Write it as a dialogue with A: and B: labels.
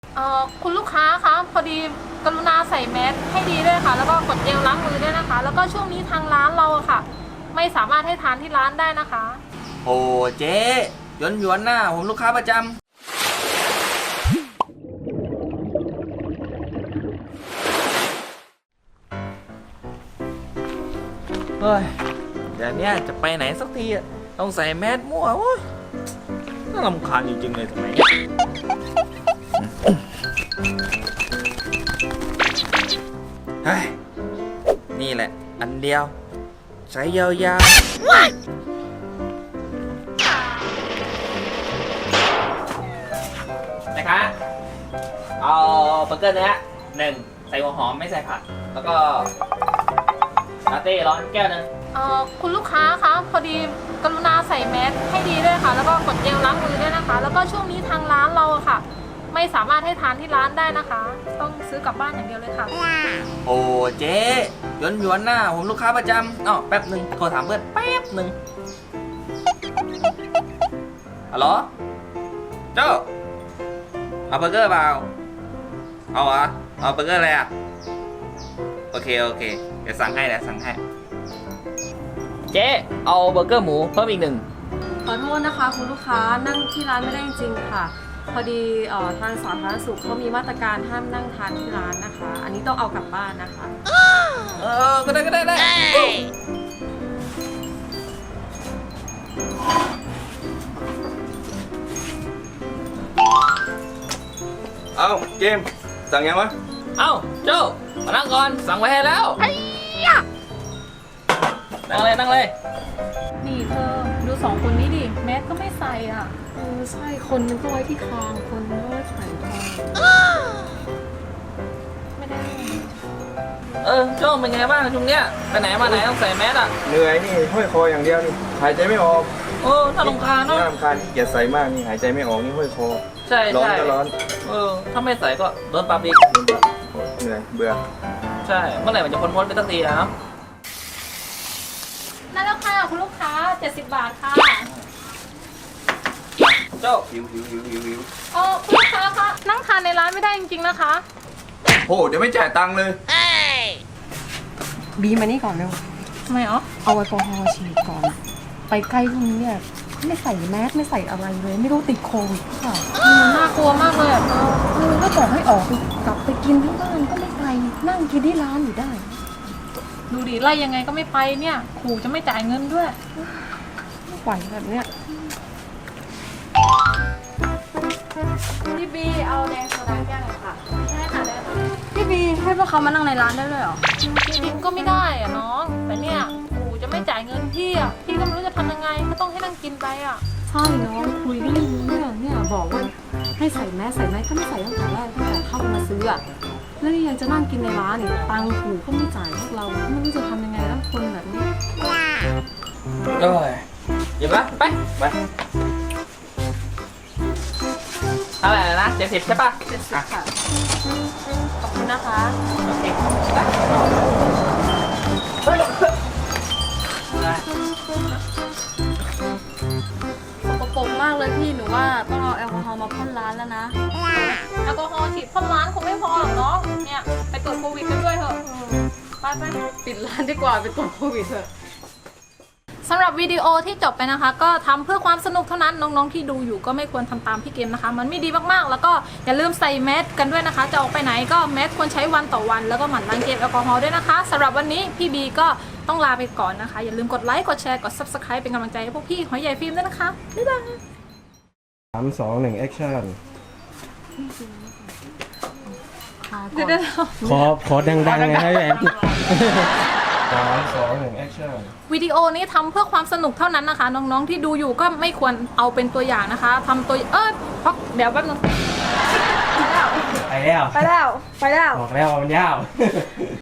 A: คุณลูกค้าคะพอดีกรุณาใส่แมสให้ดีด้วยค่ะแล้วก็กดเจลล้างมือด้วยนะคะแล้วก็ช่วงนี้ทางร้านเราอะค่ะไม่สามารถให้ทานที่ร้านได้นะคะ
B: โอ้เจ๊หยวนหน้าผมลูกค้าประจำเฮ้ยเดี๋ยวนี้จะไปไหนสักทีอะต้องใส่แมสมั่วโอ้ยน่ารำคาญจริงๆเลยทำไมเฮ้ยนี่แหละอันเดียวใช้ยาวๆนะคะเอาเบอร์เกอร์เนื้อ1ใส่หัวหอมไม่ใส่ผักแล้วก็ลาเต้ร้อนแก้วนึง
A: คุณลูกค้าคะพอดีกรุณาใส่แมสให้ดีด้วยค่ะแล้วก็กดเจลล้างมือด้วยนะคะแล้วก็ช่วงนี้ทางร้านเราอะค่ะไม่สามารถให้ทานที่ร้านได้นะคะต้องซื้อกลับบ้านอย่างเดียวเลยค่ะ
B: โอ้เจ๊หยวนหน้าผมลูกค้าประจำแป๊บหนึ่งโทรถามเพื่อนแป๊บหนึ่งฮัลโหลเจ้าเอาเบอร์เกอร์เปล่าเอาเหรอเอาเบอร์เกอร์อะไรอ่ะโอเคเดี๋ยวสั่งให้เจ๊เอาเบอร์เกอร์หมูเพิ่มอีก1
C: ขอโทษนะคะคุณลูกค้านั่งที่ร้านไม่ได้จริงๆค่ะพอดีทางสาธารณสุขเขามีมาตรการห้ามนั่งทานที่ร้านนะคะอันนี้ต้องเอากลับบ้านนะคะ
B: ก็ได้
D: เอาเกมสั่งยังวะ
B: เอ้าโจ้มานั่งก่อนสั่งไว้ให้แล้วนั่งเลย
A: นี่เธอดู2 คนนี้ดิแมสก็ไม่ใส่อ่ะ
C: ใช่คนนึงก็ไว้ที่คางคนนึงก็ไว้ไขคอ
A: ไม่ได้
B: โจ้เป็นไงบ้างช่วงเนี้ยไปไหนมาไหนต้องใส่แมสอ่ะ
D: เหนื่อยนี่ห้อยคออย่างเดียวนี่หายใจไม่ออก
B: น่ารำคาญเนาะ
D: น่ารำคาญที่อย่าใส่มากนี่หายใจไม่ออกนี่ห้อยคอ
B: ใช่
D: ร้อนก็ร้อน
B: ถ้าไม่ใส่ก็โดนปรับอีก
D: เหนื่อยเบื่อ
B: ใช่เมื่อไหร่มันจะพ้นไปสักทีนะ
A: นั่นแล้วค่ะคุณลูกค้า70 บาทค่ะ
B: โจ้
D: หิว
A: คุณลูกค้าคะนั่งทานในร้านไม่ได้จริงๆนะคะ
D: โอ้เดี๋ยวไม่จ่ายตังค์เลย
C: บีมานี่ก่อนเร็ว
A: ทำไม
C: เอาแอลกอฮอล์ฉีดก่อนไปใกล้พวกนี้เนี่ยไม่ใส่แมสไม่ใส่อะไรเลยไม่รู้ติดโควิดหรือเปล่า
A: น่ากลัวมากเลย
C: ก็บอกให้ออกไปกลับไปกินที่บ้านก็ไม่ไปนั่งกินที่ร้านอยู่ได้
A: ดูดิไล่ยังไงก็ไม่ไปเนี่ยขู่จะไม่จ่ายเงินด้วย
C: ไม่ไหวแบบเนี้ย
A: พี่บีเอาแดงโซดาแก้วหน่อยค่ะใช่ค่ะได้ค่ะ
C: พี่บีให้พวกเขามานั่งในร้านได้เลยเหรอ
A: จริงๆก็ไม่ได้อะน้องแต่เนี่ยขู่จะไม่จ่ายเงินพี่อะพี่ก็ไม่รู้จะทำยังไงก็ต้องให้นั่งกินไปอะ
C: ใช่น้องคุยก็ไม่รู้เรื่องเนี่ยบอกว่าให้ใส่แมสก็ไม่ใส่ตั้งแต่แรกตั้งแต่เข้ามาซื้ออะแล้วยังจะนั่งกินในร้านอีกตังค์ขู่ก็ไม่จ่ายพวกเราไม่รู้จะทำยังไงแล้วคนแบบนี้
B: หยิบละไปอะไรนะ70ใช่ป่ะ
C: 70ค่ะขอบคุณนะคะ
B: โอเค
C: สกปรกมากเลยพี่หนูว่าต้องเอาแอลกอฮอล์มาพ่นร้านแล้วนะ
A: แอลกอฮอล์ฉีดพ่นร้านคงไม่พอหรอกน้องเนี่ยไปตรวจโควิดกันด้วยเถอะไป
C: ปิดร้านดีกว่าไปตรวจโควิดเถอะ
A: สำหรับวิดีโอที่จบไปนะคะก็ทำเพื่อความสนุกเท่านั้นน้องๆที่ดูอยู่ก็ไม่ควรทำตามพี่เกมนะคะมันไม่ดีมากๆแล้วก็อย่าลืมใส่แมสกันด้วยนะคะจะออกไปไหนก็แมสควรใช้วันต่อวันแล้วก็หมั่นล้างเจลแอลกอฮอล์ด้วยนะคะสำหรับวันนี้พี่บีก็ต้องลาไปก่อนนะคะอย่าลืมกดไลค์กดแชร์กด Subscribe เป็นกำลังใจให้พวกพี่หอยใหญ่ฟิล์มด้วยนะคะบ๊ายบาย
D: 3 2 1 Action
A: เดี๋ยว
D: ขอดังๆนะแอน3 2 1 Action
A: วิดีโอนี้ทำเพื่อความสนุกเท่านั้นนะคะน้องๆที่ดูอยู่ก็ไม่ควรเอาเป็นตัวอย่างนะคะทำตัวเพราะเดี๋ยวแป๊บนึง
D: ไปแล้วบอกแล้วมันยาว